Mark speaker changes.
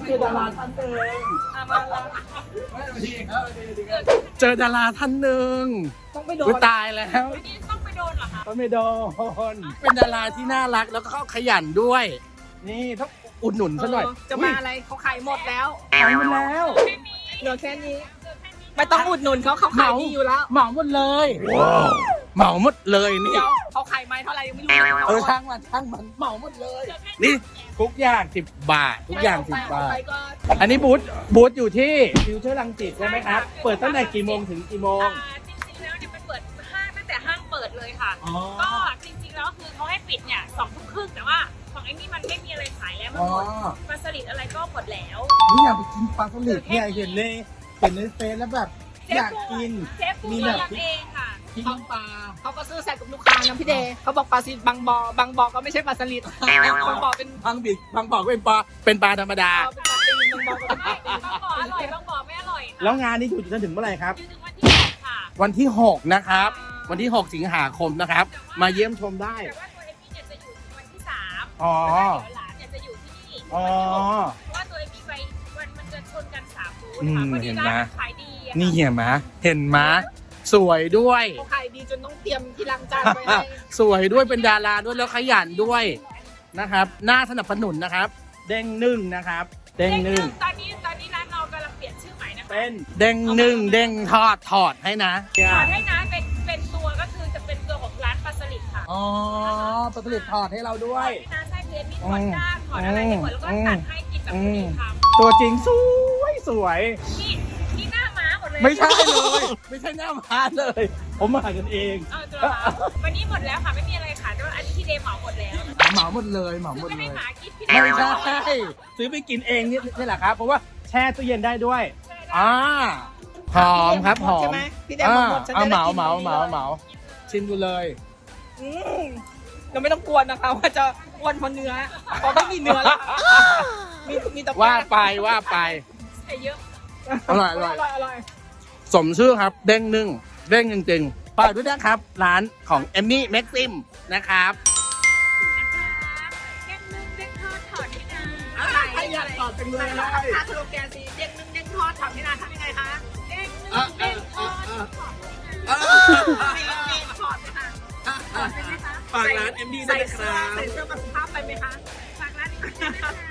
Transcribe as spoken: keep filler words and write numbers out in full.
Speaker 1: เจอดาราท่านหนึ่ง
Speaker 2: มาแล้ว
Speaker 1: เจอดาราท่านหนึ่ง
Speaker 2: ต้องไปโด
Speaker 1: กู
Speaker 2: น
Speaker 1: ตายแล้ว
Speaker 3: วันนี้ต้องไปโดนเหรอคะ
Speaker 1: ก็ไม่โดนเป็นดาราที่น่ารักแล้วก็ขยันด้วย นี่ต้องอุดหนุนซะหน่อย
Speaker 2: จะมาอะไรเขาขายหมดแล้ว
Speaker 1: ขายหมดแล้ว
Speaker 2: เหลือแค่นี้ไม่ต้องอุดหนุนเขาเขาขายดีอยู่แล้ว
Speaker 1: เหมาหมดเลยเหมาหมดเลยนี่
Speaker 2: เดี๋ยวเขาขายไม้เท่าไหร่ยังไม่รู้เลย
Speaker 1: เออช่างมันช่างมันเหมาหมดเลย นี่ทุกอย่างสิบบาท ทุกอย่างสิบบาท
Speaker 2: ไปก็
Speaker 1: อันนี้บูธบูธอยู่ที่ฟิวเจอร์รังสิตใช่ไหมครับ เปิดตั้งแต่กี่โมงถึงกี่โมง
Speaker 3: อ่าจริงๆแล้วเนี่ยมันเปิดห้างตั้งแต่ห้างเปิดเลยค่ะ
Speaker 1: อ๋อ
Speaker 3: ก็จริงๆแล้วคือเขาให้ปิดเนี่ยสองทุ่มครึ่งแต่ว่าของไอ้นี่มันไม่มีอะไรขายแล้วมัน
Speaker 1: อ๋อ
Speaker 3: หมดปลาสลิดอะไรก็หมดแล้ว
Speaker 1: นี่อยากไปกินปลาสลิดเนี่ยเห็นในเห็นในเฟซแล้วแบบ
Speaker 3: เชฟ
Speaker 1: อยาก
Speaker 3: ปู
Speaker 1: กิน
Speaker 3: เชฟปู
Speaker 1: มี
Speaker 3: มี
Speaker 1: แบบ
Speaker 3: ทำเองค่ะ
Speaker 1: พริกน้ำปลา
Speaker 2: เขาก็ซื้อใส่กับลูกค้านะพี่เดย์เขาบอกปลาสลิดบางบอบางบอก็ไม่ใช่ปลาสลิดบางบ่อเป็น
Speaker 1: บางบิดบางบอกเป็นปลาเป็นปลาธรรมดา
Speaker 2: เอาเป็นปลาตีนบางบ่อก็เป็นปลาตีน
Speaker 3: บางบ่ออร่อยบางบ่อไม่อร่อยค่ะ
Speaker 1: แล้วงานนี้อยู่จนถึงเมื่อไหร่ครับ
Speaker 3: อยู่ถึงวันที่หกค่ะ
Speaker 1: วันที่หกนะครับ วันที่หกสิงหาคมนะครับ มาเยี่ยมชมได้
Speaker 3: แต่ว่าตัวเอมมี่เนี่ยจะอยู่ถึงวันที่สาม
Speaker 1: อ๋อ
Speaker 3: แล้วเดี๋ยวหลานเนี่ยจะอยู่ที่นี่
Speaker 1: อ๋อ
Speaker 3: วันที่หกเพราะว่าตัวเอมมี่ไปวันมันจะชนกันสามบูธ
Speaker 1: อืม
Speaker 3: ค่ะพอดี
Speaker 1: เห็น
Speaker 3: ร้า
Speaker 1: ไหม
Speaker 3: นขายดีอะค่ะ
Speaker 1: นี่เห็นไหมเห็นไหมสวยด้วย
Speaker 2: เขาขายดีจนต้องเตรียมที่ล้างจานไว้ให้
Speaker 1: สวยด้วยเป็นดาราด้วยแล้วขยันด้วยนะครับน่าสนับสนุนนะครับ เด้งหนึ่งนะครับ เด้งหนึ่ง
Speaker 3: ตอนนี้ตอนนี้ร้านเรากำลังเปลี่ยนชื่อใหม่นะคะ
Speaker 1: เป็นเด้งหนึ่งเด้งทอดถอดให้นะ
Speaker 3: ถอดให้นะเป็นเป็นตัวก็คือจะเป็นตัวของร้านปลาสลิดค่ะ
Speaker 1: อ๋อปลาสลิดถอดให้เราด้วย
Speaker 3: น้าใช่เพจมีถอดก้างถอดอะไรให้หมดแล้วก็ตัดให้กินแบบพอดีคำ
Speaker 1: ตัวจริงสวยสวย
Speaker 3: นี่นี่หน้าม้าหมดเลย
Speaker 1: ไม่ใช่เลย ไม่ใช่หน้าม้าเลย ผมมากันเอง
Speaker 3: เออตัวม้าวันนี้หมดแล้วค่ะไม่มีอะไรขายแต่ว่าอันนี้ที่เดย์เหมาหมดแล้ว
Speaker 1: เหมาหมดเลยเหมาหม
Speaker 3: คือ
Speaker 1: ด
Speaker 3: ไม่
Speaker 1: เล
Speaker 3: ได้
Speaker 1: ย
Speaker 3: หมากินพี่เดย์
Speaker 1: ไม่ใช่ซื้อไปกินเองนี่นี่แหละครับ เพราะว่าแช่ตู้เย็นได้ด้วยอ่าหอมครับหอ
Speaker 2: ใช่
Speaker 1: ม
Speaker 2: ไหมพี่เดย์บอกหมดฉัน
Speaker 1: เอา
Speaker 2: จะ
Speaker 1: เห
Speaker 2: ได้
Speaker 1: มา
Speaker 2: กิน
Speaker 1: เหมา
Speaker 2: วัน
Speaker 1: เห
Speaker 2: นี้
Speaker 1: มา
Speaker 2: เลย
Speaker 1: เหมาชิมดูเลย
Speaker 2: อืมเราไม่ต้องกลัวนะคะว่าจะอ้วนเพราะเนื้อเพราะไม่มีเนื้อแล้วมีมีแต่แป้ง
Speaker 1: ว่าไปว่าไป
Speaker 3: ใส่เยอะ
Speaker 1: อร่อยอร่อย
Speaker 2: อร่อยอร่อย
Speaker 1: สมชื่อครับ เด้งหนึ่งเด้งจริงๆฝากด้วยนะครับ ร้านของเอมมี่แม็กซิมนะครับ
Speaker 3: แกงนึ่งเด้งทอดถอดให้นะ
Speaker 2: ใครอยากตอบจังเลยนะถ้าสโลแกนสีเด้งนึ่งเด้งทอดทำให้นานทำยังไงคะ
Speaker 3: เด้งนึ่งเด้งทอดถอดให้นะ
Speaker 2: มีมีถอดไหมคะถอดไหมคะ
Speaker 1: ฝากร้านเอ็มดีด้วยนะครับ
Speaker 2: ใส่เสื้อมาสุภาพไปไหมคะ
Speaker 3: ฝากร้านนี้ด้วยนะคะ